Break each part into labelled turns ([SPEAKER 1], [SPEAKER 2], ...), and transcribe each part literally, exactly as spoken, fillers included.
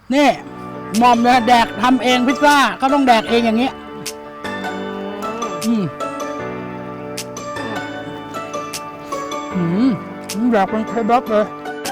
[SPEAKER 1] นี่หม่อมเนี่ยแดกทำเองพิซซ่าก็ต้องแดกเองอย่างนี้อืมอืมอยากเป็นเคบับเลย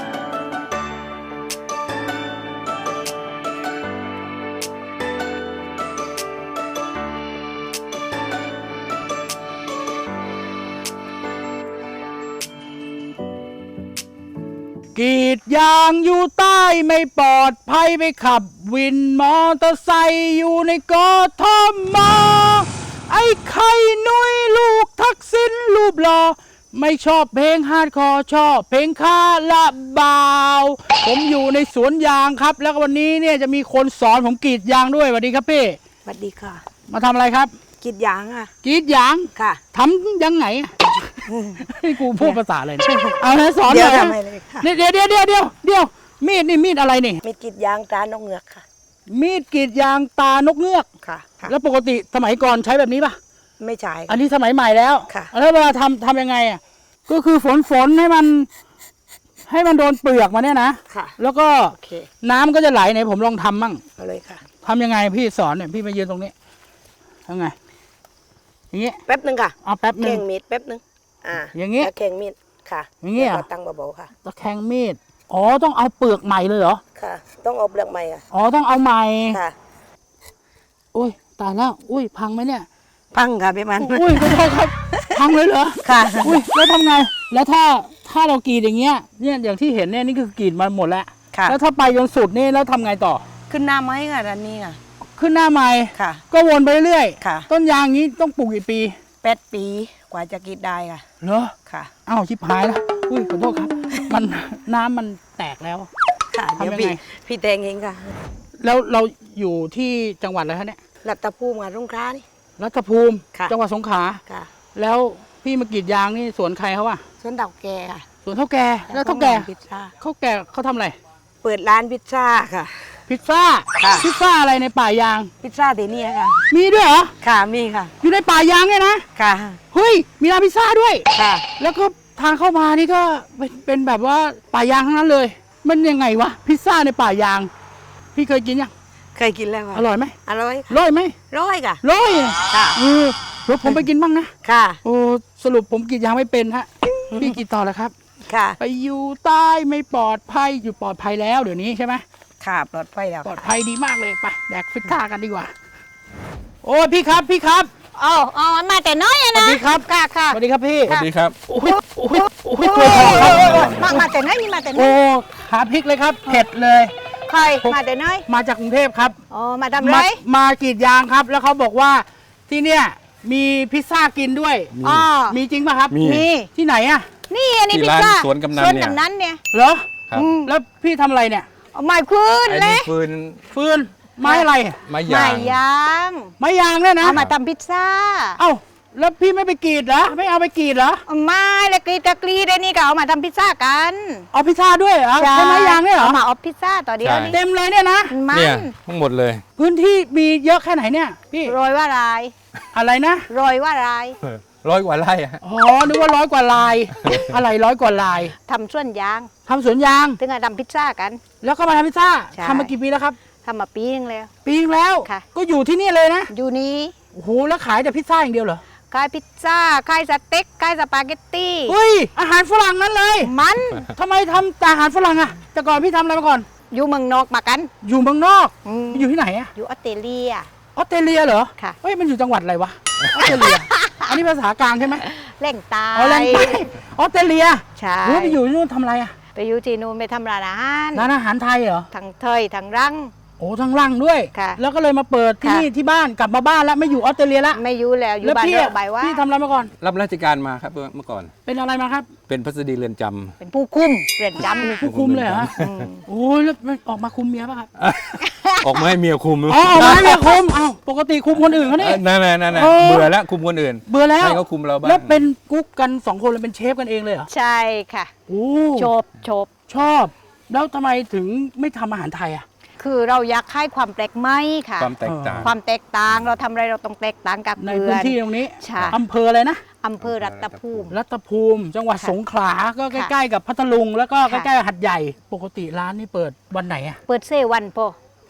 [SPEAKER 1] กรีดยางอยู่ใต้ไม่ปลอดภัยไปขับวินมอเตอร์ไซค์อยู่ในกทม.ไอ้ไข่นุ้ยลูกทักษิณรูปหล่อไม่ชอบเพลงฮาร์ดคอร์ชอบเพลงคาราบาวผมอยู่ในสวนยางครับแล้ววันนี้เนี่ยจะมีคนสอนผมกรีดยางด้วยสวัสดีครับพี่
[SPEAKER 2] สวัสดีค่ะ
[SPEAKER 1] มาทำอะไรครับ
[SPEAKER 2] กรีดยางค่ะ
[SPEAKER 1] กรีดยาง
[SPEAKER 2] ค่ะ
[SPEAKER 1] ทำยังไงให้กูพูดภาษาอะไรเอาเลยสอนหน่อยเดี๋ยวเดี๋ยวเดี๋ยวเดี๋ยวเดี๋ยวมีดนี่มีดอะไรนี่
[SPEAKER 2] มีดกรีดยางตานกเงือกค่ะ
[SPEAKER 1] มีดกรีดยางตานกเงือก
[SPEAKER 2] ค่ะ
[SPEAKER 1] แล้วปกติสมัยก่อนใช้แบบนี้ป่ะ
[SPEAKER 2] ไม่ใช่
[SPEAKER 1] อันนี้สมัยใหม่แล้ว
[SPEAKER 2] ค่ะ
[SPEAKER 1] แล้วเวลาทำทำยังไงอ่ะก็คือฝนฝนให้มันให้มันโดนเปลือกมาเนี่ยนะ
[SPEAKER 2] ค่ะ
[SPEAKER 1] แล้วก็น้ำก็จะไหลไหนผมลองทำมั่ง
[SPEAKER 2] เอาเลยค่ะ
[SPEAKER 1] ทำยังไงพี่สอนเนี่ยพี่มายืนตรงนี้ทำไงอย่างเงี้ย
[SPEAKER 2] แป๊บนึงค่ะ
[SPEAKER 1] เอาแป๊บนึง
[SPEAKER 2] แข่งมีดแป๊บนึงอ่า
[SPEAKER 1] อย่างเงี้ย
[SPEAKER 2] แข่งมีดค่ะ
[SPEAKER 1] อย่างเงี้ย
[SPEAKER 2] ตั้งเบาๆค่ะ
[SPEAKER 1] ตะแคงมีดอ๋อต้องเอาเปลือกใหม่เลยเหรอ
[SPEAKER 2] ค่ะต้องเอาเปลือกใหม่ค่ะ
[SPEAKER 1] อ๋อต้องเอาใหม่
[SPEAKER 2] ค่ะ
[SPEAKER 1] อุ้ยตายแล้วอุ้ยพังไหมเนี่ย
[SPEAKER 2] พังค่ะพี่มัน
[SPEAKER 1] อุ้ยขอโทษครับพังเลยเหรอ
[SPEAKER 2] ค่ะ
[SPEAKER 1] อุ้ยแล้วทำไงแล้วถ้าถ้าเรากรีดอย่างเงี้ยเนี่ยอย่างที่เห็นเนี่ยนี่คือกรีดมาหมดแล้ว
[SPEAKER 2] ค่ะ
[SPEAKER 1] แล้วถ้าไปจนสุดนี่แล้วทำไงต่อ
[SPEAKER 2] ขึ้นหน้าไม้ค่ะด้านนี้ค่ะ
[SPEAKER 1] ขึ้นหน้าไม้
[SPEAKER 2] ค่ะ
[SPEAKER 1] ก็วนไปเรื่อย
[SPEAKER 2] ค่ะ
[SPEAKER 1] ต้นยางนี้ต้องปลูกกี่ปี
[SPEAKER 2] แปดปีกว่าจะกรีดได้ค่ะ
[SPEAKER 1] เหรอ
[SPEAKER 2] ค่ะ
[SPEAKER 1] อ้าวชิบหายแล้วอุ้ยขอโทษครับมันน้ำมันแตกแล้ว
[SPEAKER 2] ค่ะเดี๋ยวพี่พี่แตงเองค่ะ
[SPEAKER 1] แล้วเราอยู่ที่จังหวัดอะไรคะเนี่ย
[SPEAKER 2] รัตภูมิค่ะสงขลานี่
[SPEAKER 1] รัตภูมิจังหวัดสงขลา
[SPEAKER 2] ค่ะ
[SPEAKER 1] แล้วพี่มากรีดยางนี่สวนใครเขาอะ
[SPEAKER 2] สวนเต่าแก่ค่ะ
[SPEAKER 1] สวนเท่าแก่แล้วเท่าแก่
[SPEAKER 2] พิซซ่า
[SPEAKER 1] เขาแก่เขาทำอะไร
[SPEAKER 2] เปิดร้านพิซซ่าค่ะ
[SPEAKER 1] พิซซ่าพิซซ่าอะไรในป่ายาง
[SPEAKER 2] พิซซ่าเดนี่ค่ะ
[SPEAKER 1] มีด้วยเหรอ
[SPEAKER 2] ค่ะมีค่ะ
[SPEAKER 1] อยู่ในป่ายางเนี่ยนะ
[SPEAKER 2] ค่ะ
[SPEAKER 1] เฮ้ยมีร้านพิซซ่าด้วย
[SPEAKER 2] ค่ะ
[SPEAKER 1] แล้วก็ทางเข้ามานี่ก็เป็นเป็นแบบว่าป่ายางทั้งนั้นเลยมันยังไงวะพิซซ่าในป่ายางพี่เคยกินยัง
[SPEAKER 2] เคยกินแล้วค่ะ
[SPEAKER 1] อร่อยไหม
[SPEAKER 2] อร่อย
[SPEAKER 1] อร่อยไหม
[SPEAKER 2] ร้อยค่ะ
[SPEAKER 1] ร้อย
[SPEAKER 2] ค่ะ
[SPEAKER 1] เออเดี๋ยวผมไปกินบ้างนะ
[SPEAKER 2] ค่ะ
[SPEAKER 1] โอ้สรุปผมกรีดยางไม่เป็นฮะพี่กรีดต่อแล้วครับ
[SPEAKER 2] ค่ะ
[SPEAKER 1] ไปอยู่ใต้ไม่ปลอดภัยอยู่ปลอดภัยแล้วเดี๋ยวนี้ใช่ไหม
[SPEAKER 2] ค่ะปลอดภัยแล้ว
[SPEAKER 1] ปลอดภัยดีมากเลยไปแดกฟิตท่ากันดีกว่าโอ้พี่ครับพี่ครับ
[SPEAKER 2] อ๋ออ๋อมาแต่น้อยนะ
[SPEAKER 1] สวัสดีครับ
[SPEAKER 2] ค่ะค่ะ
[SPEAKER 1] สวัสดีครับพี่
[SPEAKER 3] สวัสดีครับ
[SPEAKER 1] โอ้ยโอ้ยโอ้ยตัวทองครับ
[SPEAKER 2] มามาแต่น้อยนี่มาแต่น้
[SPEAKER 1] โอ้
[SPEAKER 2] อย
[SPEAKER 1] ขาพริกเลยครับเผ็ดเลย
[SPEAKER 2] ใครมาแต่น้อย
[SPEAKER 1] มาจากกรุงเทพครับ
[SPEAKER 2] อ๋อมาทำไร
[SPEAKER 1] มากรีดยางครับแล้วเขาบอกว่าที่เนี่ยมีพิซซ่ากินด้วย
[SPEAKER 2] อ๋อ
[SPEAKER 1] มีจริงป่ะครับ
[SPEAKER 2] มี
[SPEAKER 1] ที่ไหนอะ
[SPEAKER 2] นี่อันนี้พิซซ่า
[SPEAKER 3] สวนกำนันเนี่ย
[SPEAKER 2] สวนกำนันเนี่ย
[SPEAKER 1] เหรอแล้วพี่ทำอะไรเนี่ย
[SPEAKER 2] ไม้ฟืนเลย
[SPEAKER 3] ฟืน
[SPEAKER 1] ฟืนไม้อะไร
[SPEAKER 3] ไม้
[SPEAKER 2] ยาง
[SPEAKER 3] ไม้
[SPEAKER 2] ยาง
[SPEAKER 1] ไม้ยางเนี่ยนะ
[SPEAKER 2] เอามาทำพิซซ่า
[SPEAKER 1] เอ้าแล้วพี่ไม่ไปกรีดเหรอไม่เอาไปกรีดเหรอ
[SPEAKER 2] ไม่ละกรีดตะกรีดไอ้นี่ก็เอามาทำพิซซ่ากัน
[SPEAKER 1] เอาพิซซ่าด้วยเหรอใช่ไม้ยางเนี่ยเหรอ
[SPEAKER 2] เอามาเอาพิซซ่าต่อเดียวนี่
[SPEAKER 1] เต็มเลยเนี่ยนะ
[SPEAKER 3] เนี่ยทั้งหมดเลย
[SPEAKER 1] พื้นที่มีเยอะแค่ไหนเนี่ยพี่
[SPEAKER 2] โรยว่าลาย
[SPEAKER 1] อะไรนะ
[SPEAKER 2] โรยว่าลาย
[SPEAKER 3] ร้อยกว่าไร่
[SPEAKER 1] อ๋อนึกว่าร้อยกว่าลายอะไรร้อยกว่าลาย
[SPEAKER 2] ทำสวนยาง
[SPEAKER 1] ทำสวนยาง
[SPEAKER 2] ถึงจะทำพิซซ่ากัน
[SPEAKER 1] แล้วก็มาทำพิซซ่าทำมากี่ปีแล้วครับ
[SPEAKER 2] ทำมาปีนึงแล้ว
[SPEAKER 1] ปีนึงแล้วก็อยู่ที่นี่เลยนะ
[SPEAKER 2] อยู่นี้
[SPEAKER 1] โอ้โหแล้วขายแต่พิซซ่าอย่างเดียวเหรอ
[SPEAKER 2] ขายพิซซ่าขายสเต็กขายสปาเกตตี้
[SPEAKER 1] เฮ้ยอาหารฝรั่งนั้นเลย
[SPEAKER 2] มัน
[SPEAKER 1] ทำไมทำแต่อาหารฝรั่งอะแต่ก่อนพี่ทำอะไรมาก่อน
[SPEAKER 2] อยู่เมืองนอกมากัน
[SPEAKER 1] อยู่เมืองนอกอยู่ที่ไหนอะ
[SPEAKER 2] อยู่ออสเตรเลีย
[SPEAKER 1] ออสเตรเลียเหรอ
[SPEAKER 2] ค่ะ
[SPEAKER 1] เฮ้ยมันอยู่จังหวัดอะไรวะออสเตรเลียอันนี้ภาษากลางใช่ไหม
[SPEAKER 2] แหล่งใต้
[SPEAKER 1] อ๋อแหล่งใต้ออสเตรเลีย
[SPEAKER 2] ใช่
[SPEAKER 1] ไปอยู่ที่นู่นทำอะไรอะ
[SPEAKER 2] ไปอยู่ที่นู่นไปทำร้านอาหาร
[SPEAKER 1] ร้านอาหารไทยเหรอ
[SPEAKER 2] ทั้งเทยทั้งรัง
[SPEAKER 1] โอ้ทั้งรังด้วยแล้วก็เลยมาเปิดที่นี่ที่บ้านกลับมาบ้านแล้วไม่อยู่ออสเตรเลียแล้ว
[SPEAKER 2] ไม่อยู่แล้วอยู่บ้านเราใบว่า
[SPEAKER 1] พี่ทำอะไรมาก่อน
[SPEAKER 3] รับราชการมาครับเมื่อก่อน
[SPEAKER 1] เป็นอะไรมาครับ
[SPEAKER 3] เป็นพัสดีเรือนจำ
[SPEAKER 2] เป็นผู้คุมเรือนจำ
[SPEAKER 1] ผู้คุมเลยเหรอโอ้ยแล้วออกมาคุมเมียป่ะครับ
[SPEAKER 3] ออกมาให้เมียคุม
[SPEAKER 1] อ๋อออกมาให้เมียคุมอ้าวปกติคุมคนอื่นเขาเนี่ย
[SPEAKER 3] นั่นนั่นนั่นเบื่อแล้วคุมคนอื่น
[SPEAKER 1] เบื่อแล้ว
[SPEAKER 3] ให้เขาคุมเราบ้าง
[SPEAKER 1] แล้วเป็นกุ๊กกันสองคนเลยเป็นเชฟกันเองเลยเหรอ
[SPEAKER 2] ใช่ค่ะ
[SPEAKER 1] โอ้
[SPEAKER 2] ชอบชอบ
[SPEAKER 1] ชอบแล้วทำไมถึงไม่ทำอาหารไทยอ่ะ
[SPEAKER 2] คือเราอยากให้ความแปลกใหม่ค่ะ
[SPEAKER 3] ความแตกต่าง
[SPEAKER 2] ความแตกต่างเราทำอะไรเราต้องแตกต่างกับ
[SPEAKER 1] ในพื้นที่ตรงนี้
[SPEAKER 2] ใช่
[SPEAKER 1] อำเภออะไรนะ
[SPEAKER 2] อำเภอรัตภูมิ
[SPEAKER 1] รัตภูมิจังหวัดสงขลาก็ใกล้ๆกับพัทลุงแล้วก็ใกล้ๆหัดใหญ่ปกติร้านนี่เปิดวันไหนอ่ะ
[SPEAKER 2] เปิดเซวันพอ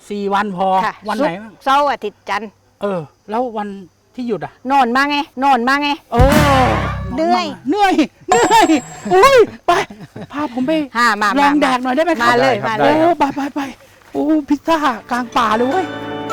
[SPEAKER 1] สี่วันพอ
[SPEAKER 2] ค่ะ
[SPEAKER 1] วันไหน
[SPEAKER 2] ศุก
[SPEAKER 1] บ้าง
[SPEAKER 2] ร์เสาร์อาทิตย์จันทร์
[SPEAKER 1] เออ แล้ววันที่หยุดอ่ะ
[SPEAKER 2] นอนมาไงนอนมาไง
[SPEAKER 1] เออ
[SPEAKER 2] เหนื่อย
[SPEAKER 1] เหนื่อยเหนื่อยอุ้ยไปพาผมไป
[SPEAKER 2] ฮ่ามา
[SPEAKER 1] ล
[SPEAKER 2] มา
[SPEAKER 1] องแดกหน่อยได้ไหมครับ
[SPEAKER 2] มาเลย
[SPEAKER 3] ได้ครับ
[SPEAKER 2] มาเล
[SPEAKER 1] โอ้
[SPEAKER 2] ย
[SPEAKER 1] ไปไปไปโอ้พิซซ่ากลางป่าเลยเว้ย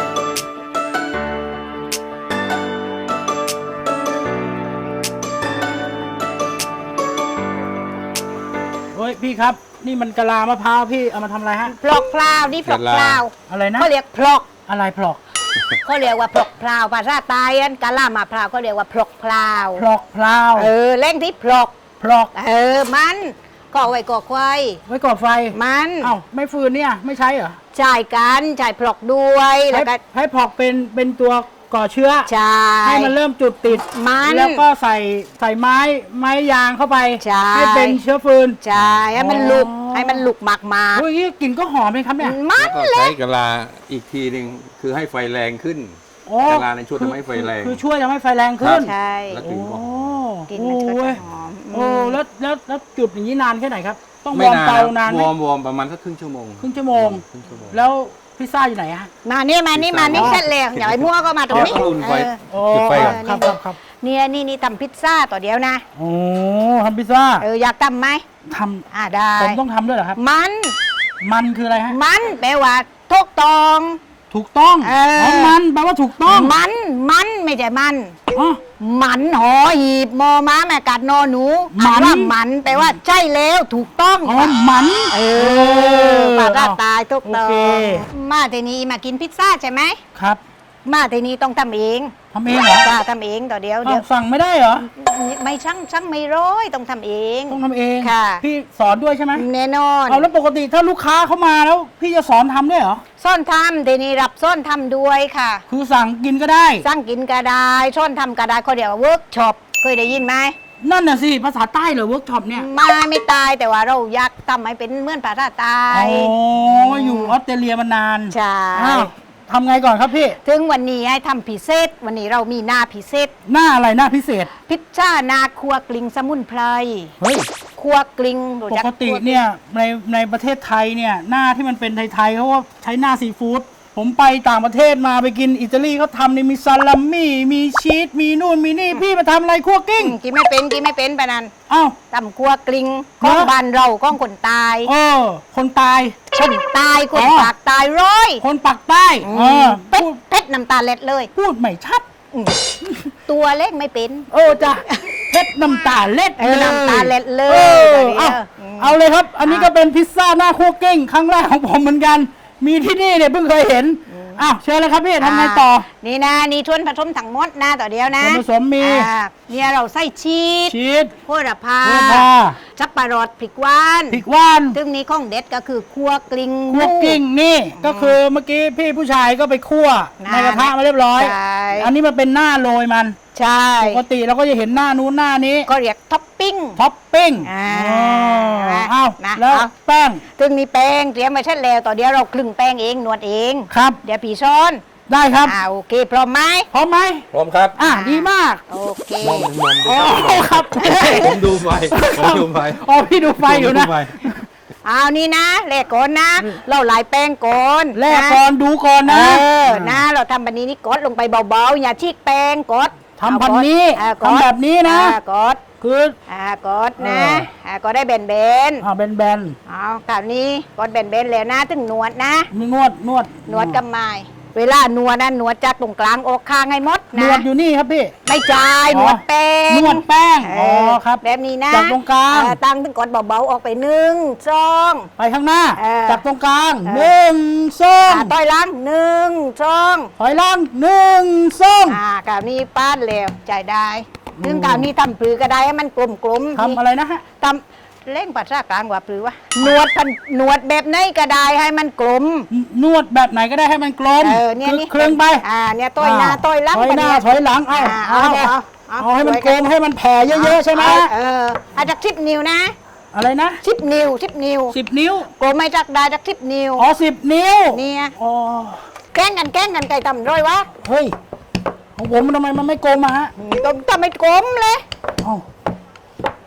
[SPEAKER 1] เฮ้ยพี่ครับ นี่มันกะลามะพร้าวพี่เอามาทำอะไรฮะ
[SPEAKER 2] พลอกพลาวนี่พลอกพลาว
[SPEAKER 1] อะไรนะ
[SPEAKER 2] เขาเรียกพลอก
[SPEAKER 1] อะไรพลอก
[SPEAKER 2] เขาเรียกว่าพลอกพลาวภาษาใต้อันกะลามะพร้าวเขาเรียกว่าพลอกพลาว
[SPEAKER 1] พลอกพลาว
[SPEAKER 2] เออเล่งที่พลอก
[SPEAKER 1] พลอก
[SPEAKER 2] เออมันก่อไว้ก่อควาย
[SPEAKER 1] ไว้ก่อไฟ
[SPEAKER 2] มัน
[SPEAKER 1] เอ้าไม่ฟืนเนี่ยไม่ใช้เหรอ
[SPEAKER 2] จ่ายกันจ่ายพลอกด้วยแล้วก็
[SPEAKER 1] ให้ให้พลอกเป็นเป็นตัวก่อเชื้อ
[SPEAKER 2] จ่าย
[SPEAKER 1] ให้มันเริ่มจุดติด
[SPEAKER 2] มัน
[SPEAKER 1] แล้วก็ใส่ใส่ไม้ไม้ยางเข้าไป
[SPEAKER 2] ใช่
[SPEAKER 1] ให้เป็นเชื้อฟืน
[SPEAKER 2] จ่ายให้มันลุก
[SPEAKER 1] อ๋อ
[SPEAKER 2] ให้มันลุกหมากมา
[SPEAKER 1] โอ้ยนี่กลิ่นก็หอมเลยครับเนี่ย
[SPEAKER 2] มัน
[SPEAKER 3] แล้วก็
[SPEAKER 2] แหละ
[SPEAKER 3] ใช้กะลาอีกทีหนึ่งคือให้ไฟแรงขึ้น
[SPEAKER 1] โอ้
[SPEAKER 3] กะลาในช่วยทำให้ไฟแรง
[SPEAKER 1] คือช่วยทำให้ไฟแรงขึ้น
[SPEAKER 2] ใช่
[SPEAKER 3] แล้วก
[SPEAKER 1] โอ้
[SPEAKER 3] ลิ่นก็หอม
[SPEAKER 2] กินมันก็
[SPEAKER 1] โอ้
[SPEAKER 2] จะ
[SPEAKER 1] ย
[SPEAKER 2] หอม
[SPEAKER 1] โอ้แล้วแล้วแล้วจุดอย่างนี้นานแค่ไหนครับ ต้องว
[SPEAKER 3] ไม่
[SPEAKER 1] อร์ม
[SPEAKER 3] นาน
[SPEAKER 1] เตานานไหม
[SPEAKER 3] วอร์มวอร์มประมาณสักครึ่งชั่วโมง
[SPEAKER 1] ครึ่งชั่วโมง
[SPEAKER 3] ครึ่งชั่วโมง
[SPEAKER 1] แล้วพิซซ่าอยู่ไหนฮะ
[SPEAKER 2] มานี่มานี่มานี่
[SPEAKER 1] อ๋อ
[SPEAKER 2] เสร็จแล้วอย่าไปมั่วก็มาตรงนี้
[SPEAKER 3] เอาอุ่นไฟ
[SPEAKER 2] เออ
[SPEAKER 1] โอ้
[SPEAKER 3] จุดไฟก่อน
[SPEAKER 1] ครับครับครับ
[SPEAKER 2] เนี่ยนี่นี่ทำพิซซ่าต่อเดียวนะ
[SPEAKER 1] โอ้ทำพิซซ่า
[SPEAKER 2] เอออยากทำไหม
[SPEAKER 1] ท
[SPEAKER 2] อ่าได้
[SPEAKER 1] ำผมต้องทำด้วยเหรอครับ
[SPEAKER 2] มัน
[SPEAKER 1] มันคืออะไรฮะ
[SPEAKER 2] มันแปลว่าทุกตอง
[SPEAKER 1] ถูกต้อง
[SPEAKER 2] เออ
[SPEAKER 1] อ๋อมันแปลว่าถูกต้อง
[SPEAKER 2] มันมันไม่ใช่มัน
[SPEAKER 1] อ๋อ
[SPEAKER 2] มันหอหีบมอม้าแม่กัดนอหนู
[SPEAKER 1] มัน
[SPEAKER 2] อ่านว่ามันแปลว่าใช่แล้วถูกต้อง
[SPEAKER 1] อ๋อมัน
[SPEAKER 2] เออปาราตายทุกตอ
[SPEAKER 1] โอเค
[SPEAKER 2] งมาทีนี้มากินพิซซ่าใช่ไหม
[SPEAKER 1] ครับ
[SPEAKER 2] มาทีนี้ต้องทำเอง
[SPEAKER 1] ทำเองเหรอ
[SPEAKER 2] จ้าทำเองต่อเดียวเดี๋
[SPEAKER 1] อ้า
[SPEAKER 2] ยว ว
[SPEAKER 1] สั่งไม่ได้เหรอ
[SPEAKER 2] ไม่ช่างช่างไม่ร้อยต้องทำเอง
[SPEAKER 1] ต้องทำเอง
[SPEAKER 2] ค่ะ
[SPEAKER 1] พี่สอนด้วยใช่ไหม
[SPEAKER 2] แน่นอน
[SPEAKER 1] เอาแล้วปกติถ้าลูกค้าเข้ามาแล้ว พี่จะสอนทำด้วยเหรอ
[SPEAKER 2] ซ่อนทำทีนี้รับซ่อนทำด้วยค่ะ
[SPEAKER 1] คือสั่งกินก็ได้
[SPEAKER 2] สร้างกินก็ได้ซ่อนทำก็ได้เขาเรียกว่าเวิร์กช็อปเคยได้ยินไหม
[SPEAKER 1] นั่นน่ะสิ ภาษาใต้เหรอเวิร์กช็อปเนี่ย
[SPEAKER 2] มาไม่ตายแต่ว่าเราอยากทำให้เป็นเหมือนภาษาใต้
[SPEAKER 1] อ๋ออยู่ออสเตรเลียมานาน
[SPEAKER 2] ใช่
[SPEAKER 1] อ้าวทำไงก่อนครับพี่
[SPEAKER 2] ถึงวันนี้ให้ทำพิเศษ วันนี้เรามีหน้าพิเศษ
[SPEAKER 1] หน้าอะไรหน้าพิเศษ
[SPEAKER 2] พิซซ่านาครัวกลิงสมุนไพร
[SPEAKER 1] เฮ้ย
[SPEAKER 2] ครัวกลิงรู้
[SPEAKER 1] ป
[SPEAKER 2] จั
[SPEAKER 1] กติเนี่ยในในประเทศไทยเนี่ยหน้าที่มันเป็นไทยๆเขาก็ใช้หน้าซีฟู้ดผมไปต่างประเทศมาไปกินอิตาลีเขาทำเนี่ยมีซาลามี่มีชีสมีนู่นมีนี่พี่มาทำอะไรคั่วกิ้ง
[SPEAKER 2] อืมกินไม่เป็นกินไม่เป็นปะนัน
[SPEAKER 1] อ้าว
[SPEAKER 2] ตำครัวกลิงของ
[SPEAKER 1] เหรอ
[SPEAKER 2] บ้านเราของคนตาย
[SPEAKER 1] เออคนตาย
[SPEAKER 2] คนตายคน
[SPEAKER 1] อ๋อ
[SPEAKER 2] ปากตายร้อย
[SPEAKER 1] คนปักใต้
[SPEAKER 2] อื
[SPEAKER 1] เอ
[SPEAKER 2] ม
[SPEAKER 1] อ
[SPEAKER 2] เป็ด
[SPEAKER 1] พูด
[SPEAKER 2] เป็ดน้ำตาเล็ดเลย
[SPEAKER 1] พูดไม่ชัด
[SPEAKER 2] อืมตัวเล็กไม่เป็น
[SPEAKER 1] เออจ้ะเพชรน้ำตาเล็ด
[SPEAKER 2] เออน้ำตาเล็ดเลย
[SPEAKER 1] เออ
[SPEAKER 2] เดี๋ยว
[SPEAKER 1] เอา
[SPEAKER 2] อืม
[SPEAKER 1] เอาเลยครับ อันนี้ก็เป็นพิซซ่าหน้าคั่วกิ้งครั้งแรกของผมเหมือนกัน มีที่นี่เนี่ยเพิ่งเคยเห็นอ้าวเชิญเลยครับพี่ทำไงต่อ
[SPEAKER 2] นี่นะนี่ชวนผสมทั้งหมดนะต่อเดียวนะ
[SPEAKER 1] ส่วนผสมมี
[SPEAKER 2] อ่าเนี่ยเราใส่ชีส
[SPEAKER 1] ชีส
[SPEAKER 2] โหระพา
[SPEAKER 1] โหระพา
[SPEAKER 2] จับปะรดพริกหวาน
[SPEAKER 1] พริกว่าน
[SPEAKER 2] ซึ่งนี้ของเด็ดก็คือคั่วกลิ้ง
[SPEAKER 1] คั่วกิ้งนี่ก็คือเมื่อกี้พี่ผู้ชายก็ไปคั่วในกระทะมาเรียบร้อย
[SPEAKER 2] ใช่
[SPEAKER 1] อันนี้มันเป็นหน้าโรยมัน
[SPEAKER 2] ใช่
[SPEAKER 1] ปกติเราก็จะเห็นหน้านู้นหน้านี้
[SPEAKER 2] ก็เรียกท็อปปิ้ง
[SPEAKER 1] ท็อปปิ้ง
[SPEAKER 2] อ่า
[SPEAKER 1] อ๋อเอา
[SPEAKER 2] นะ
[SPEAKER 1] แล้ว
[SPEAKER 2] เอา
[SPEAKER 1] แป้ง
[SPEAKER 2] ซึ่งนี้แป้งเตรียมไว้เช่นแล้วต่อเดียวเราคลึงแป้งเองนวดเอง
[SPEAKER 1] ครับ
[SPEAKER 2] เดี๋ยวผีช้อน
[SPEAKER 1] ได้ครับ
[SPEAKER 2] อ่าโอเคพร้อมไหม
[SPEAKER 1] พร้อมไหม
[SPEAKER 3] พร้อมครับ
[SPEAKER 1] อ่ะดีมาก
[SPEAKER 2] โอเค
[SPEAKER 3] มองมอง
[SPEAKER 1] อ๋อครับ
[SPEAKER 3] ผมดูไฟผมดูไฟ
[SPEAKER 1] อ๋อพี่ดูไฟอยู่นะ
[SPEAKER 3] ผมดูไฟ
[SPEAKER 2] เอานี่นะแลกก่อนนะ เราหลายแป้งก่อน
[SPEAKER 1] แลกก่อนดูก่อน
[SPEAKER 2] เอ
[SPEAKER 1] นะ
[SPEAKER 2] อนะเราทำแบบนี้นี่กดลงไปเบาๆอย่าชีกแป้งกด
[SPEAKER 1] ทำพันนี้
[SPEAKER 2] อ่ากด
[SPEAKER 1] ทำแบบนี้นะ
[SPEAKER 2] อ่ากด
[SPEAKER 1] คือ
[SPEAKER 2] อ่ากดนะ
[SPEAKER 1] เออ
[SPEAKER 2] อ่าก็ได้เบนเบน
[SPEAKER 1] อ่าแบน
[SPEAKER 2] ๆเอาคราวนี้กดเบนเบนๆแล้วนะถึงหนวดนะ
[SPEAKER 1] ๆมีนวดนวด
[SPEAKER 2] หนวดกับไม้เวลาหนวดนะหนวดจากตรงกลางออกข้างให้หมด
[SPEAKER 1] หน
[SPEAKER 2] นะ
[SPEAKER 1] วดอยู่นี่ครับพี่
[SPEAKER 2] ไม่จ่าย
[SPEAKER 1] อ๋อ
[SPEAKER 2] หนวดแป้ง
[SPEAKER 1] นวดแป้ง
[SPEAKER 2] เ
[SPEAKER 1] อ๋อครับ
[SPEAKER 2] แบบนี้นะ
[SPEAKER 1] จากตรงกลาง
[SPEAKER 2] เออตั้งถึงกดเบาๆออกไปหนึ่งสอง
[SPEAKER 1] ไปข้างหน้า
[SPEAKER 2] เออ
[SPEAKER 1] จากตรงกลาง
[SPEAKER 2] เออ
[SPEAKER 1] หนึ่งสอง
[SPEAKER 2] อ่าต้อยหล้างหนึ่งสอง
[SPEAKER 1] ถอยหล่างหนึ่งสอง
[SPEAKER 2] อ่ากราวนี้ป้านเร็วจ่ายได้
[SPEAKER 1] อืม
[SPEAKER 2] ถึงกราวนี้ทำปลือก็ได้ให้มันกลมๆ
[SPEAKER 1] ทำอะไรนะฮะ
[SPEAKER 2] ทำเล่งปัสสาวะกลางกว่าปลือวะหนวดพันหนวดแบบไหนก็ได้ให้มันกลม
[SPEAKER 1] นวดแบบไหนก็ได้ให้มันกลม
[SPEAKER 2] เออเนี่ย
[SPEAKER 1] คือ
[SPEAKER 2] นี่
[SPEAKER 1] เครื่องไป
[SPEAKER 2] อ่าเนี่ยต้อยหน้าต้อยหลัง
[SPEAKER 1] ถอยหน้า
[SPEAKER 2] ปะ
[SPEAKER 1] ถอยหลังเอา
[SPEAKER 2] อ่า
[SPEAKER 1] เอา
[SPEAKER 2] เอา
[SPEAKER 1] เอา
[SPEAKER 2] เอา
[SPEAKER 1] เอาให้มัน
[SPEAKER 2] ช่วย
[SPEAKER 1] กลมให้มันแผ่เยอะๆใช่ไหม
[SPEAKER 2] เอาเอออาจากทิปนิ้วนะ
[SPEAKER 1] อะไรนะ
[SPEAKER 2] ทิปนิ้วทิปนิ้ว
[SPEAKER 1] สิบนิ้ว
[SPEAKER 2] กลมไม่จักได้จากทิปนิ้ว
[SPEAKER 1] อ๋อสิบนิ้ว
[SPEAKER 2] เนี่ย
[SPEAKER 1] อ๋อ
[SPEAKER 2] แกล้งกันแกล้งกันไก่ต่ำร้อยวะ
[SPEAKER 1] เฮ้ยของผมมันทำไมมันไม่กลมอะฮะ
[SPEAKER 2] ต้องทำไม่กลมเลย
[SPEAKER 1] เอ้า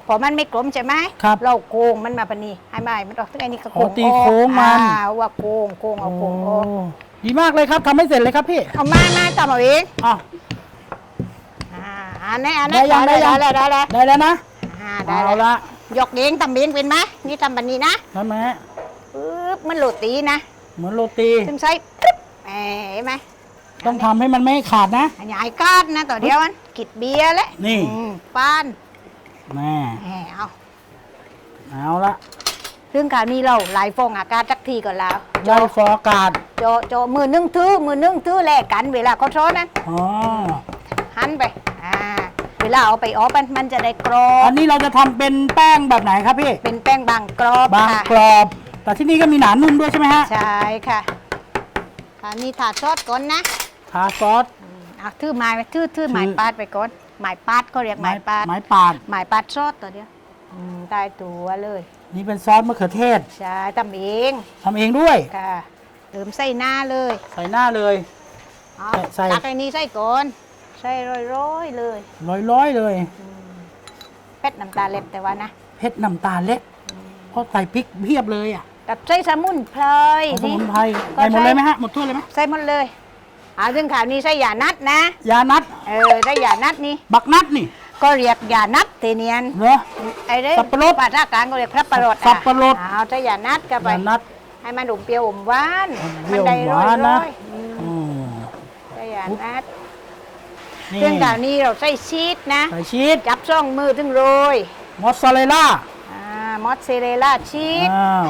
[SPEAKER 2] พอมันไม่กลมใช่ไหม
[SPEAKER 1] ครับ
[SPEAKER 2] เราโกงมันมาปะนี่ให้ไหมมันออกทั้งไอ้นี่ก็โก
[SPEAKER 1] อ๋อง ตีโค้งมัน
[SPEAKER 2] อ่าว่าโกงโกงเอาโกงออก
[SPEAKER 1] โอ้ดีมากเลยครับทำให้เสร็จเลยครับพี่
[SPEAKER 2] เอามามาตามเอาเอง
[SPEAKER 1] อ้าว
[SPEAKER 2] อ่าอันนี้อันนี้
[SPEAKER 1] ได้ยังได้ยัง
[SPEAKER 2] ได้ได้ได้
[SPEAKER 1] ได้แล้วนะ
[SPEAKER 2] อ่าได้
[SPEAKER 1] เอา
[SPEAKER 2] แล้ว
[SPEAKER 1] ละ
[SPEAKER 2] ยกเองทำเองเป็นไหมนี่ทำแบบนี้นะ
[SPEAKER 1] ทำไหม
[SPEAKER 2] ปึ๊บมันโรตีนะ
[SPEAKER 1] เหมือนโรตี
[SPEAKER 2] ถึงใช้ปึ๊บแหมเห็นไหม
[SPEAKER 1] ต้องทำให้มันไม่ขาดนะ
[SPEAKER 2] อันใหญ่กาดนะต่อเดียวมันกิดเบียร์แล้ว
[SPEAKER 1] นี่
[SPEAKER 2] อืมป้าน
[SPEAKER 1] แม่
[SPEAKER 2] แหมเอา
[SPEAKER 1] เอาละ
[SPEAKER 2] เรื่องการนี้เราหลายฟองอากาศจักทีก่อนแล้ว
[SPEAKER 1] ได้ฟอร์อากาศ
[SPEAKER 2] โจโจมือนึ่งทื่อมือนึ่งทื่อแลกกันเวลาเขาโทษนั้น
[SPEAKER 1] อ๋อ
[SPEAKER 2] หันไปอ่าเวลาเอาไปออกมันมันจะได้กรอ
[SPEAKER 1] อั
[SPEAKER 2] บ
[SPEAKER 1] นนี้เราจะทำเป็นแป้งแบบไหนครับพี่
[SPEAKER 2] เป็นแป้งบางกรอบบ
[SPEAKER 1] าง
[SPEAKER 2] ค่ะ
[SPEAKER 1] กรอบ แต่ที่นี่ก็มีหนานุ่มด้วยใช่ไหมฮะ
[SPEAKER 2] ใช่ค่ะอันนี้ถาดซอสก่อนนะ
[SPEAKER 1] ทาซอส
[SPEAKER 2] เอาทื่อไม้ไว้ทื่อทื่อ
[SPEAKER 1] ทื่อ
[SPEAKER 2] ไม้ปาดไปก่อนไม้ปาดก็เรียกไม้ปาด
[SPEAKER 1] ไม้ปาด
[SPEAKER 2] ไม้ปาดซอสตัวเดียวอืมได้ตัวเลย
[SPEAKER 1] นี่เป็นซอสมะเขือเทศ
[SPEAKER 2] ใช่ทำเอง
[SPEAKER 1] ทำเองด้วย
[SPEAKER 2] ค่ะเติมใส่หน้าเลย
[SPEAKER 1] ใส่หน้าเลย
[SPEAKER 2] เอา
[SPEAKER 1] ใส่
[SPEAKER 2] ตักไอ้นี้ใส่ก่อนใส่ร้อยๆเลย
[SPEAKER 1] ร้อยๆเลย
[SPEAKER 2] เผ็ดน้ำตาเล็บแต่ว่านะ
[SPEAKER 1] เพชรน้ำตาลเล็กเพราะใส่พริกเพียบเลยอ่ะ
[SPEAKER 2] กับใส่สมุนไพร
[SPEAKER 1] เอาสมุนไพร
[SPEAKER 2] ก็
[SPEAKER 1] ใส่หมด
[SPEAKER 2] ใช่
[SPEAKER 1] เลยไหมฮะหมดถ้วยเลยไหม
[SPEAKER 2] ใส่หมดเลยเอาถึงข่าวนี้ใส่ยานัดนะ
[SPEAKER 1] ยานัด
[SPEAKER 2] เออใส่ยานัดนี่
[SPEAKER 1] บักนัดนี่
[SPEAKER 2] ก็เรียกยานัดเทเนียน
[SPEAKER 1] เหรอ
[SPEAKER 2] ไอ้เด้
[SPEAKER 1] สับปะรด
[SPEAKER 2] ภาษากลางก็เรียกพระประรด
[SPEAKER 1] สับปะรด
[SPEAKER 2] เอาใส่ยานัดกันไป
[SPEAKER 1] ยานัด
[SPEAKER 2] ให้มันอมเปรี้ยวอมหวาน
[SPEAKER 1] เปรี้ยว
[SPEAKER 2] ได้
[SPEAKER 1] ห
[SPEAKER 2] ร้อ
[SPEAKER 1] วาย น
[SPEAKER 2] ร้
[SPEAKER 1] นะ
[SPEAKER 2] อยอืม
[SPEAKER 1] อืม
[SPEAKER 2] ใส่ยานัด
[SPEAKER 1] นี่
[SPEAKER 2] เครื่องข่าวนี้เราใส่ชีสนะ
[SPEAKER 1] ใส่ชีส
[SPEAKER 2] จับช่องมือถึงโรย
[SPEAKER 1] มอสซาเรลล่า
[SPEAKER 2] อ่ามอสซาเรลล่าชีส
[SPEAKER 1] อ้าว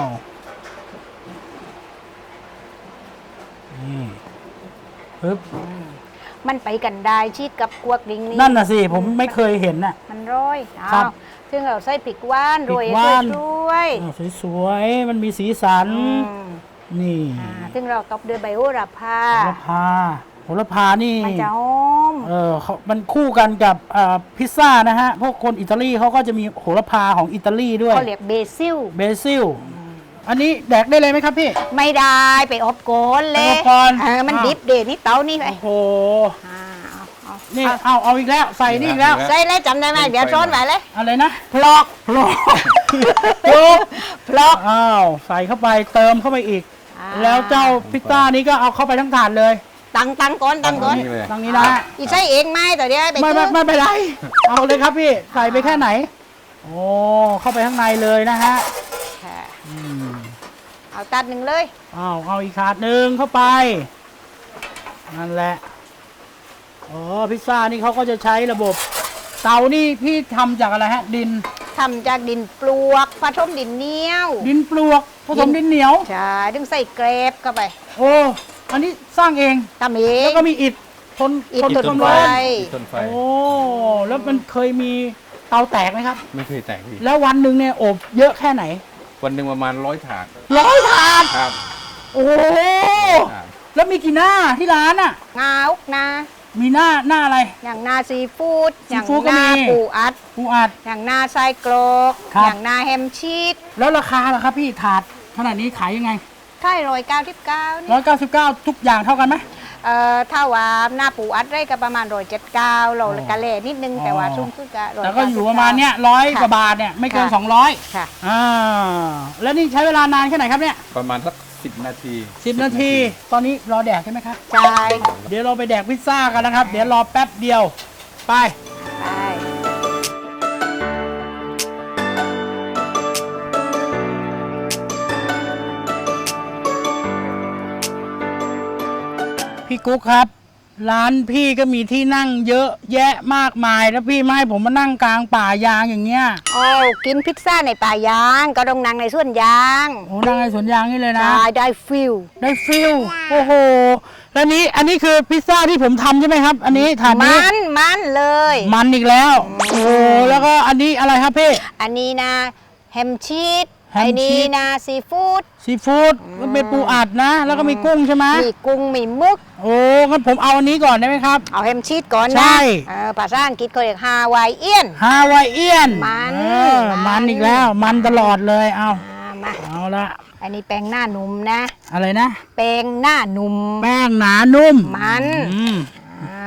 [SPEAKER 1] นี่ปึ๊บ
[SPEAKER 2] มันไปกันได้ชีสกับกวกดิงนี่
[SPEAKER 1] นั่นน่ะสิ ผมไม่เคยเห็นน่ะ
[SPEAKER 2] มันโร้อย
[SPEAKER 1] ครั
[SPEAKER 2] เอา
[SPEAKER 1] บ
[SPEAKER 2] ซึ่งเราใส่พริกหว่านโรย
[SPEAKER 1] พริกหวาน
[SPEAKER 2] สวย
[SPEAKER 1] อ้าวสวยๆ มันมีสีสัน
[SPEAKER 2] ๆอืม
[SPEAKER 1] นี่
[SPEAKER 2] อ่าซึ่งเราตบด้วยใบโหระพา
[SPEAKER 1] โหระพาโหระพานี่
[SPEAKER 2] มันจะหอม
[SPEAKER 1] เออเขามันคู่กันกับอ่าพิซซ่านะฮะ พวกคนอิตาลีเขาก็จะมีโหระพาของอิตาลีด้วย
[SPEAKER 2] เขาเรียกเบซิล
[SPEAKER 1] เบซิล อันนี้แดกได้เลยไหมครับพี่
[SPEAKER 2] ไม่ได้ไปอบโกนเล
[SPEAKER 1] ไป
[SPEAKER 2] ย
[SPEAKER 1] อบก่อน
[SPEAKER 2] เออมัน
[SPEAKER 1] อ้าว
[SPEAKER 2] ดิบเดนี่เตานี่ไป
[SPEAKER 1] โอ้โห
[SPEAKER 2] อ่าเอาเอา
[SPEAKER 1] นี่เอาเอาอีกแล้ว ใส่นี่อีกแล้ว
[SPEAKER 2] ใส่เลยจำได้ไหมเดี๋ยวช้อนไว้เลย
[SPEAKER 1] อะไรนะ
[SPEAKER 2] พลอก
[SPEAKER 1] พลอกพลอก
[SPEAKER 2] พลอก
[SPEAKER 1] อ้าว ใส่เข้าไปเติมเข้าไปอีก
[SPEAKER 2] อ่า
[SPEAKER 1] แล้วเจ้าพิซซ่านี้ก็เอาเข้าไปทั้งถาดเลย
[SPEAKER 2] ตังตังก่อนตังก่อน
[SPEAKER 3] นี่เลย
[SPEAKER 1] ตรงนี้นะ
[SPEAKER 2] อีใส่เองไหมแต่เดี๋ยวไป
[SPEAKER 1] ไม่
[SPEAKER 2] ซื้
[SPEAKER 1] ไม่
[SPEAKER 2] อ
[SPEAKER 1] ไม่เป็นไร เอาเลยครับพี่ ใส่ไปแค่ไหน โอ้ เข้าไปข้างในเลยนะฮะ
[SPEAKER 2] ค่ะ
[SPEAKER 1] อืม
[SPEAKER 2] เอาตัดหนึ่งเลย
[SPEAKER 1] เอาเอาอีกถาดหนึ่งเข้าไป นั่นแหละอ๋อพิซซ่านี่เขาก็จะใช้ระบบ เตานี่พี่ทำจากอะไรฮะ ดิน
[SPEAKER 2] ทำจากดินปลวกผสมดินเหนียว
[SPEAKER 1] ดินปลวกผสมดินเหนียว
[SPEAKER 2] ใช่ถึงใส่เกรบเข้าไป
[SPEAKER 1] โอ้ อันนี้สร้างเอง
[SPEAKER 2] ทำเอง
[SPEAKER 1] แล้วก็มีอิฐทน
[SPEAKER 2] อิฐ
[SPEAKER 1] ทน
[SPEAKER 2] ทน
[SPEAKER 1] ความ
[SPEAKER 2] ไฟ
[SPEAKER 1] ร้อน
[SPEAKER 3] ต้นไฟ
[SPEAKER 1] โอ้ แล้วมันเคยมีเตาแตกไหมครับ
[SPEAKER 3] ไม่เคยแตกพี่
[SPEAKER 1] แล้ววันหนึ่งเนี่ยอบเยอะแค่ไหน
[SPEAKER 3] วันหนึ่งประมาณร้อยถาด
[SPEAKER 1] ร้อยถาด
[SPEAKER 3] ครับ
[SPEAKER 1] โอ้โห
[SPEAKER 3] ถาด
[SPEAKER 1] แล้วมีกี่หน้าที่ร้านอ่ะ
[SPEAKER 2] งาอุกนา
[SPEAKER 1] มีหน้าหน้าอะไร
[SPEAKER 2] อย่างนาซีฟู้ด
[SPEAKER 1] ซี
[SPEAKER 2] อย่าง
[SPEAKER 1] ฟู้ดก็
[SPEAKER 2] นา
[SPEAKER 1] มี
[SPEAKER 2] ปูอัด
[SPEAKER 1] ปูอัด
[SPEAKER 2] อย่างนาไส้กรอก
[SPEAKER 1] ครับ
[SPEAKER 2] อย่างนาแฮมชีส
[SPEAKER 1] แล้วราคาล่ะครับพี่ถาดขนาดนี้ขายยังไง
[SPEAKER 2] ไข่ร้อยเก้าสิบเก้านี่
[SPEAKER 1] ร้อยเก้าสิบเก้าทุกอย่างเท่ากันไหม
[SPEAKER 2] เอ่อถ้าว่าหน้าปูอัดได้ก็ประมาณร้อยเจ็ดเก้าเรา
[SPEAKER 1] อ๋อ
[SPEAKER 2] กะเล่นิดนึง
[SPEAKER 1] อ๋อ
[SPEAKER 2] แต่ว่าชุ่มขึ้นก็ร้อย
[SPEAKER 1] แต่ก็อยู่ประมาณเนี้ยร้อยกว่าบาทเนี่ยไม่เกิน
[SPEAKER 2] ค่ะ
[SPEAKER 1] สองร้อย
[SPEAKER 2] ค่ะ
[SPEAKER 1] อ่าแล้วนี่ใช้เวลานานแค่ไหนครับเนี่ย
[SPEAKER 3] ประมาณสักสิบนาที
[SPEAKER 1] สิบนาที ตอนนี้รอแดกใช่ไหมครับ
[SPEAKER 2] ใช่
[SPEAKER 1] เดี๋ยวเราไปแดกพิซซ่ากันนะครับ เดี๋ยวรอแป๊บเดียว ไป
[SPEAKER 2] ใช่
[SPEAKER 1] พี่กุ๊กครับ ร้านพี่ก็มีที่นั่งเยอะแยะมากมาย แล้วพี่ไม่ให้ผมมานั่งกลางป่ายางอย่างเงี้ย
[SPEAKER 2] โอ้กินพิซซ่าในป่ายางก็ต้องนั่งในสวนยาง
[SPEAKER 1] โอ้นั่งในสวนยางนี่เลยนะ
[SPEAKER 2] ใช่ได้ฟิล
[SPEAKER 1] ได้ฟิลโอ้โห แล้วนี้อันนี้คือพิซซ่าที่ผมทำใช่ไหมครับ อันนี้ถาดนี้
[SPEAKER 2] มันมันเลย
[SPEAKER 1] มันอีกแล้ว โอ้โหแล้วก็อันนี้อะไรครับพี่
[SPEAKER 2] อันนี้นะแฮมชีส
[SPEAKER 1] แฮมชีส
[SPEAKER 2] ไอ้นี่นะซีฟู้ด
[SPEAKER 1] ซีฟู้ดมันเป็นปูอัดนะ แล้วก็มีกุ้งใช่ไหม
[SPEAKER 2] มีกุ้งมีมึก
[SPEAKER 1] โอ้งั้นผมเอาอันนี้ก่อนได้ไหมครับ
[SPEAKER 2] เอาแฮมชีสก่อน
[SPEAKER 1] ใช่
[SPEAKER 2] นะเออภาษาอังกฤษเขาเรียกฮาวายเอียน
[SPEAKER 1] ฮาวายเอียน
[SPEAKER 2] มัน
[SPEAKER 1] เออ
[SPEAKER 2] มั
[SPEAKER 1] มัน
[SPEAKER 2] น
[SPEAKER 1] อีกแล้ว มันตลอดเลย เอา
[SPEAKER 2] อ่ามา
[SPEAKER 1] เอาละ
[SPEAKER 2] อันนี้แป้งหน้าหนุ่มนะ
[SPEAKER 1] อะไรนะ
[SPEAKER 2] แป้งหน้าหนุ่ม
[SPEAKER 1] แป้งหนานุ่ม
[SPEAKER 2] มัน
[SPEAKER 1] อืม
[SPEAKER 2] อ้าว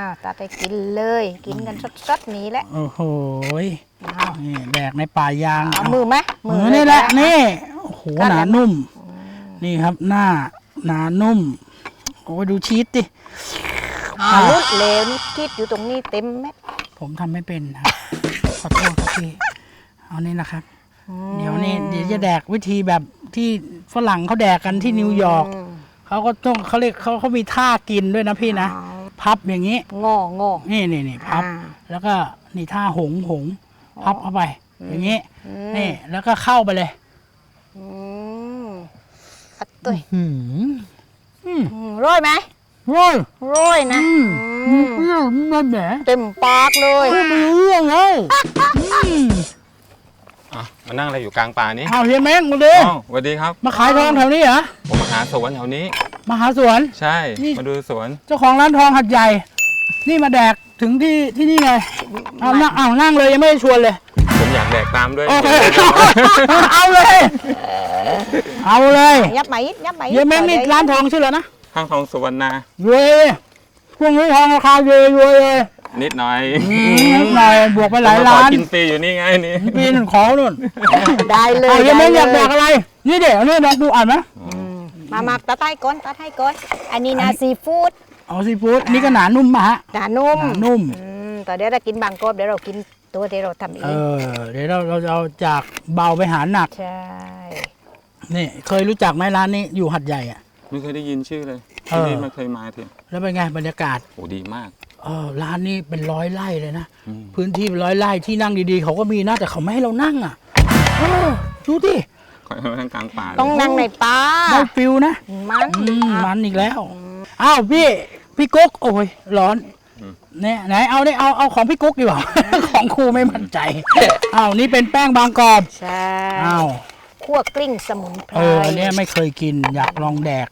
[SPEAKER 2] ตัดให้กินเลย กินกันสดๆนี้แหละ
[SPEAKER 1] โอ้โหย
[SPEAKER 2] อ้าว
[SPEAKER 1] นี่แดกในป่ายาง
[SPEAKER 2] เอามือไหม
[SPEAKER 1] มือนี่แหละ
[SPEAKER 2] เย
[SPEAKER 1] นี่โอ้โห
[SPEAKER 2] นั่น
[SPEAKER 1] ห
[SPEAKER 2] แห
[SPEAKER 1] นา
[SPEAKER 2] ละ
[SPEAKER 1] นุ่ม นี่ครับหน้าหนานุ่ม โอ้ยดูชีสดิ
[SPEAKER 2] อ่าลุดเลวนี่คิดอยู่ตรงนี้เต็มเม็ด
[SPEAKER 1] ผมทำไม่เป็นครับ ขอโทษครับพี่เอานี่นะครับ เดี๋ยวนี้เดี๋ยวจะแดกวิธีแบบที่ฝรั่งเขาแดกกันที่นิวยอร์กเขาก็ต้องเขาเรียกเขาเขามีท่ากินด้วยนะพี่นะ พับอย่างนี้
[SPEAKER 2] งองอ
[SPEAKER 1] นี่นี่นี่พับ
[SPEAKER 2] อ่า
[SPEAKER 1] แล้วก็นี่ท่าหงหงพับเข้าไป อย่างนี้ นี่แล้วก็เข้าไปเลย
[SPEAKER 2] อืมอัดตุ้ย
[SPEAKER 1] หืมอืม
[SPEAKER 2] อืมร้อยไหม
[SPEAKER 1] ร้อย
[SPEAKER 2] ร้อยนะ
[SPEAKER 1] อืม
[SPEAKER 2] อืม
[SPEAKER 1] เปรี้ยวมันแหม
[SPEAKER 2] เต็มปากเลย
[SPEAKER 1] ไม่รู้เรื่องเลยอืม
[SPEAKER 4] อ่ะมานั่งอะไรอยู่กลางป่านี้
[SPEAKER 1] เอาเฮียแมงมาดิ
[SPEAKER 4] อ๋อสวัสดีครับ
[SPEAKER 1] มาขายทองแถวนี้เหรอ
[SPEAKER 4] ผมมาหาสวนแถวนี้
[SPEAKER 1] มาหาสวน
[SPEAKER 4] ใช่
[SPEAKER 1] นี่
[SPEAKER 4] มาดูสวน
[SPEAKER 1] เจ้าของร้านทองหัดใหญ่ นี่มาแดกถึงที่ที่นี่ไงเอานั่งเอานั่งเลยยังไม่ได้ชวนเลย
[SPEAKER 4] ผมอยากแดกตามด้วย
[SPEAKER 1] โอเค เอาเลย เอาเลย
[SPEAKER 2] ยับไหมยับไหม
[SPEAKER 1] เฮียแมงนี่ร้านทองชื่ออะไรนะ
[SPEAKER 4] ข้างทองสุวรรณาร
[SPEAKER 1] วยพวกนี้ทองราคาเยอะรวยเลย
[SPEAKER 4] นิดหน่อย
[SPEAKER 1] อืมนิดหน่อยบวกไปหลาย
[SPEAKER 4] ผมม
[SPEAKER 1] ล้า
[SPEAKER 4] ขอน กินฟรีอยู่นี่ไงนี่
[SPEAKER 1] ปีหนึ่งขอนู่น
[SPEAKER 2] ได้เล
[SPEAKER 1] เอา
[SPEAKER 2] ย
[SPEAKER 1] เฮียแมงอยากแด
[SPEAKER 2] ได้
[SPEAKER 1] ก
[SPEAKER 2] เลย
[SPEAKER 1] อะไร นี่เดี๋ยวนี่ลองดูอ่านไหม
[SPEAKER 2] มามาตัดให้ก่อนตัดให้ก่อนอันนี้นะซีฟู้ด
[SPEAKER 1] เอาซีฟู้ดอันนี้ก็หนานุ่มมาฮะ
[SPEAKER 2] หนานุ่ม
[SPEAKER 1] หนานุ่ม
[SPEAKER 2] อืมแต่เดี๋ยวเรากินบางกรอบเดี๋ยวเรากินตัวที่เราทำเอ
[SPEAKER 1] เอง อ เดี๋ยวเราเราจะเอาจากเบาไปหาหนัก
[SPEAKER 2] ใช่
[SPEAKER 1] นี่เคยรู้จักไหมร้านนี้อยู่หัดใหญ่อะ
[SPEAKER 4] ไม่เคยได้ยินชื่อเลย
[SPEAKER 1] เออ
[SPEAKER 4] ที่นี่ไม่เคยมาที
[SPEAKER 1] แล้วเป็นไงบรรยากาศ
[SPEAKER 4] โอ้ดีมาก
[SPEAKER 1] เออร้านนี้เป็นร้อยไร่เลยนะ
[SPEAKER 4] อืม
[SPEAKER 1] พื้นที่เป็นร้อยไร่ที่นั่งดีๆ เขาก็มีนะแต่เขาไม่ให้เรานั่งอ่ะเออดูดิ
[SPEAKER 4] คอยมาทางกลางป่าเลย
[SPEAKER 2] ต้องนั่งในป่า
[SPEAKER 1] ได้ฟิลนะ
[SPEAKER 2] มัน
[SPEAKER 1] อืมมันอีกแล้วอ้าวพี่พี่กุ๊กโอ้ยร้อนเนี่ยไหนเอาเนี่ยเอาเอาของพี่กุ๊กดีกว่า ของครูไม่มั่นใจอ้าวนี่เป็นแป้งบางกรอบ
[SPEAKER 2] ใช่
[SPEAKER 1] อ้าว
[SPEAKER 2] คั่วกลิ้งสมุนไพร
[SPEAKER 1] เอออันเนี้ยไม่เคยกินอยากลองแดก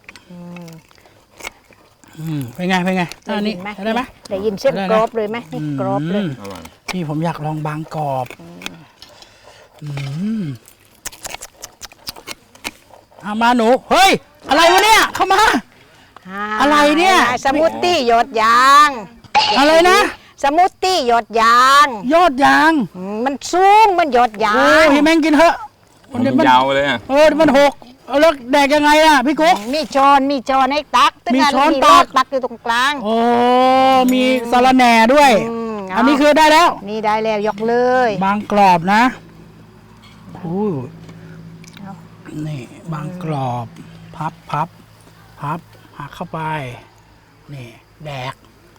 [SPEAKER 1] อืมเป็นไงเป็นไงอันนี้
[SPEAKER 2] ได้ยินไหม
[SPEAKER 1] ได้ไหม
[SPEAKER 2] ได้ยินเส้น
[SPEAKER 1] ได้นะ
[SPEAKER 2] กรอบเลยไหมนี่กรอบเลย
[SPEAKER 1] ม
[SPEAKER 4] อร่อย
[SPEAKER 1] นี่ผมอยากลองบางกรอบอืมเอามาหนู เฮ้ย อะไรวะเนี่ย เข้ามา อะไรเนี่ย
[SPEAKER 2] สมูทตี้หยดยาง
[SPEAKER 1] อะไรนะ
[SPEAKER 2] สมูทตี้หยดยาง
[SPEAKER 1] ยอดยาง
[SPEAKER 2] อืมมันสูงมันหยดยา
[SPEAKER 1] โอ้
[SPEAKER 2] ง
[SPEAKER 1] ยพี่แม่งกินเถอะ
[SPEAKER 4] มัน
[SPEAKER 1] เดี๋ยวมัน
[SPEAKER 4] ยาวเลยอ่ะ
[SPEAKER 1] เออเดี๋ยวมันหกเอาแล้วแดกยังไงอ่ะพี่กุ๊ก
[SPEAKER 2] มีช้อนมีช้อนให้ตัก
[SPEAKER 1] มีช้อน
[SPEAKER 2] มี
[SPEAKER 1] ตัก
[SPEAKER 2] ตักอยู่ตรงกลาง
[SPEAKER 1] โอ้ มีสาระแหน่ด้วย
[SPEAKER 2] อืมเอา
[SPEAKER 1] อันนี้คือได้แล้ว
[SPEAKER 2] นี่ได้แล้วยกเลย
[SPEAKER 1] บางกรอบนะอู้
[SPEAKER 2] เอา
[SPEAKER 1] นี่บางกรอบ พับพับ พับหักเข้าไป นี่ แดก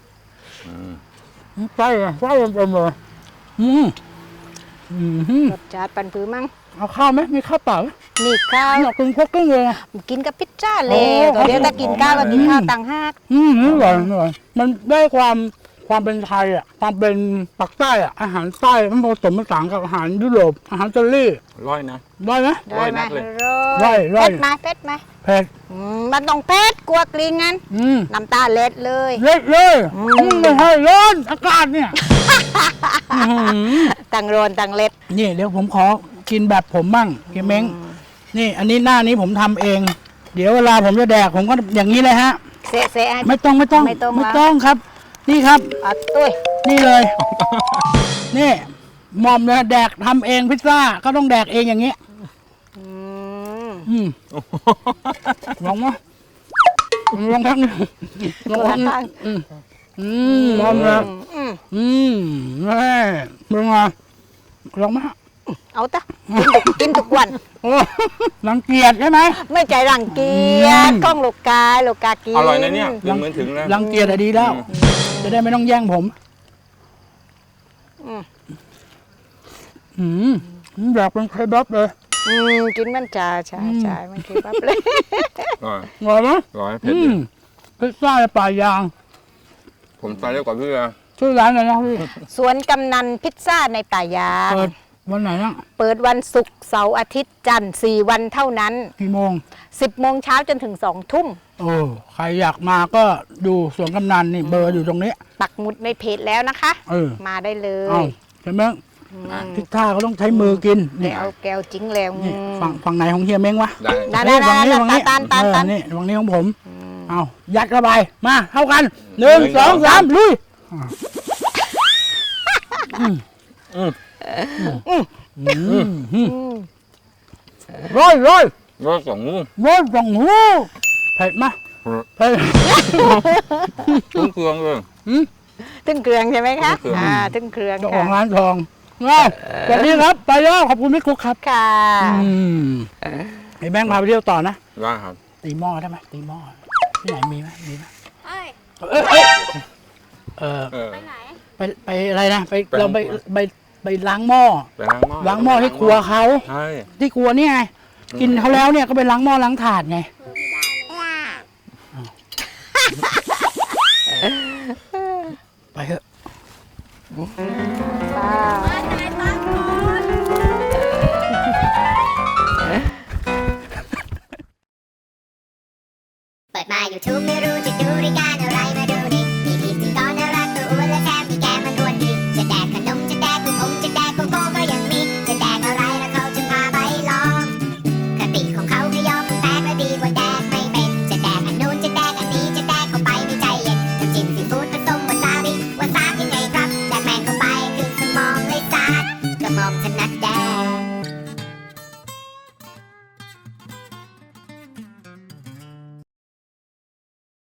[SPEAKER 1] ใช่เลยใช่เต็มเลยอืมอืม
[SPEAKER 2] รสชาติปันผือมั้ง
[SPEAKER 1] เอาข้าวไหมมีข้าวเปล่าไหม
[SPEAKER 2] นี่ข้าว
[SPEAKER 1] อยากกินพวกกิ้งเลยนะ
[SPEAKER 2] กินกับพิซซ่าเล
[SPEAKER 1] โอ้
[SPEAKER 2] ยตัวเดี๋ยวถ้ากินข้าวก็กินข้าวต่างหาก
[SPEAKER 1] อืมนี่อร่อยอร่อยมันได้ความความเป็นไทยอ่ะ ความเป็นปักใต้อ่ะ อาหารใต้มันผสมผสานกับอาหารยุโรป อาหารอิตาลี
[SPEAKER 4] ร้อยนะ
[SPEAKER 1] ได้ไหม
[SPEAKER 2] ได้ไหม
[SPEAKER 4] ร้อยนัดเลย
[SPEAKER 1] ร้อยร้อย
[SPEAKER 2] เผ็ดไหมเผ็ดไหม
[SPEAKER 1] เผ็ด
[SPEAKER 2] อืมมันต้องเผ็ดกลัวกลิ่นงั้น
[SPEAKER 1] อืม
[SPEAKER 2] น้ำตาเล็ดเลย
[SPEAKER 1] เล็ดเลย
[SPEAKER 2] อืม
[SPEAKER 1] อืมไม่ใช่ร้อนอากาศเนี่ยอื้อหือ
[SPEAKER 2] ต่างโรนต่างเล็ด
[SPEAKER 1] นี่เดี๋ยวผมขอกินแบบผมบ้างเฮียเม้งนี่ อันนี้หน้านี้ผมทำเอง เดี๋ยวเวลาผมจะแดกผมก็อย่างนี้เลยฮะ
[SPEAKER 2] เสะเสะให้
[SPEAKER 1] ไม่ต้องไม่ต้อง
[SPEAKER 2] ไม่ต้อง
[SPEAKER 1] ไม่
[SPEAKER 2] ละ
[SPEAKER 1] ต้องครับ นี่ครับ
[SPEAKER 2] เอาตุ้ย
[SPEAKER 1] นี่เลย นี่หมอมเนี่ยแดกทำเองพิซซ่าก็ต้องแดกเองอย่างนี้
[SPEAKER 2] อืม
[SPEAKER 1] อืมลองมั้ยลองทักหนึงลองทักหนึงอืมอืมหมอมเนี่ย
[SPEAKER 2] อืม
[SPEAKER 1] อืมแม่เป็นไงลองมา
[SPEAKER 2] เอาตะกินทุกกินทุกวัน
[SPEAKER 1] โอ้รังเกียจใช่ไหม
[SPEAKER 2] ไม่ใจรังเกียจ
[SPEAKER 1] อืม
[SPEAKER 2] กล้องลูกกายลูกกากิน
[SPEAKER 4] อร่อยนะเนี่ยถึงเหมือนถึงแล้ว
[SPEAKER 1] รังเกียจอะดีแล้ว จะได้ไม่ต้องแย่งผม
[SPEAKER 2] อืม
[SPEAKER 1] อืมอยากเป็นเคบับเลย
[SPEAKER 2] อืมกินมันจ่าใช่ใช่มันคือปั๊บเลย
[SPEAKER 4] อร่อย
[SPEAKER 1] อร่อยไหม
[SPEAKER 4] ร้อยเผ็ด
[SPEAKER 1] อื
[SPEAKER 4] ดี
[SPEAKER 1] มพิซซ่าในป่ายาง
[SPEAKER 4] ผมไปเรียกกว่าพี่เลย
[SPEAKER 1] ชื่อร้านอะไรนะพี่
[SPEAKER 2] สวนกำนันพิซซ่าในป่ายาง
[SPEAKER 1] เปิดวันไหนนะ
[SPEAKER 2] เปิดวันศุกร์เสาร์อาทิตย์จันทร์สี่วันเท่านั้น
[SPEAKER 1] กี่โมง
[SPEAKER 2] สิบโมงเช้าจนถึงสองทุ่ม
[SPEAKER 1] โอ้ใครอยากมาก็ดูสวนกำนันนี่เบอร์อยู่ตรงนี้
[SPEAKER 2] ปักหมุดในเพจแล้วนะคะ
[SPEAKER 1] เออ
[SPEAKER 2] มาได้เล
[SPEAKER 1] เอา
[SPEAKER 2] ย
[SPEAKER 1] ใช่ไหมพิซซ่าเขาต้องใช้มือกิน
[SPEAKER 2] เดี๋
[SPEAKER 1] นี่
[SPEAKER 2] ยวเอาแก้วจิ้งแล้ว
[SPEAKER 1] นี่ฝั่งฝั่งไหนของเฮียเม้งวะ
[SPEAKER 4] ได้
[SPEAKER 2] ได้ได้
[SPEAKER 1] เอ้ยฝั่งนี้
[SPEAKER 2] ได้
[SPEAKER 1] ฝั่งนี้
[SPEAKER 2] ตาลตาลตาล
[SPEAKER 1] เออนี่ฝั่งนี้ของผมเอายัดเข้าไปมาเท่ากันหนึ่ง
[SPEAKER 4] หนึ่ง
[SPEAKER 1] สอง
[SPEAKER 4] สอง
[SPEAKER 1] สามลุยร้อยร้อย
[SPEAKER 4] รสสองงู
[SPEAKER 1] ร้อยสองหูเผ็ดไหมเผ็ด
[SPEAKER 4] ตุ้งเครื่องเลย
[SPEAKER 2] ตึ้งเครื่องใช่ไหมคะ
[SPEAKER 4] ตึ้งเครื่อง
[SPEAKER 2] อ่าตึ้งเครื่อง
[SPEAKER 1] เจ้าของ
[SPEAKER 2] ค่ะ
[SPEAKER 1] ร้านทองง่ายสวัสดีครับ ไปแล้วขอบคุณพี่กุ๊กครับ
[SPEAKER 2] ค่ะ
[SPEAKER 1] อืมไอ้แบงค์พาไปเที่ยวต่อนะ
[SPEAKER 4] ได้ครับ
[SPEAKER 1] ตีหม้อได้ไหมตีหม้อที่ไหนมีไหมมีไหม
[SPEAKER 5] เอ้ย
[SPEAKER 1] เอ้ยเอ้ยเออ
[SPEAKER 4] เออ
[SPEAKER 5] ไปไหน
[SPEAKER 1] ไปไปอะไรนะไป
[SPEAKER 4] ไป
[SPEAKER 1] เราไป
[SPEAKER 4] ล้างครัว
[SPEAKER 1] ไปไปล้างหม้อ
[SPEAKER 4] ไปล้างหม้อ
[SPEAKER 1] ล้างหม้อที่ครัวเขา
[SPEAKER 4] ใช่
[SPEAKER 1] ที่ครัวเนี่ยไงกินเขาแล้วเนี่ยก็ไปล้างหม้อล้างถาดไงไปเถอะ
[SPEAKER 2] ค่ะ
[SPEAKER 5] ไปไหนบ้างก่อน
[SPEAKER 6] เปิดมา YouTube ไม่รู้จะดูรายการอะไรมาดูดิมีพิธีกรน่ารักตัวอ้วนและแถมมีแก้มมันอ้วนดีจะแดกขนมจะแดกลูกอมจะแดกโกโก้ก็ยังมีจะแดกอะไรแล้วเขาจะพาไปลองคติของเขาคือยอมแตกและดีกว่าแดกไม่เป็นจะแดกอันนู้นจะแดกอันนี้จะแดกเข้าไปไม่ใจเย็นน้ำจิ้มซีฟู้ดผสมวาซาบิวาซาบยังไงครับแดกแมงเข้าไปคือสมองเลยซาดกระหม่อมถ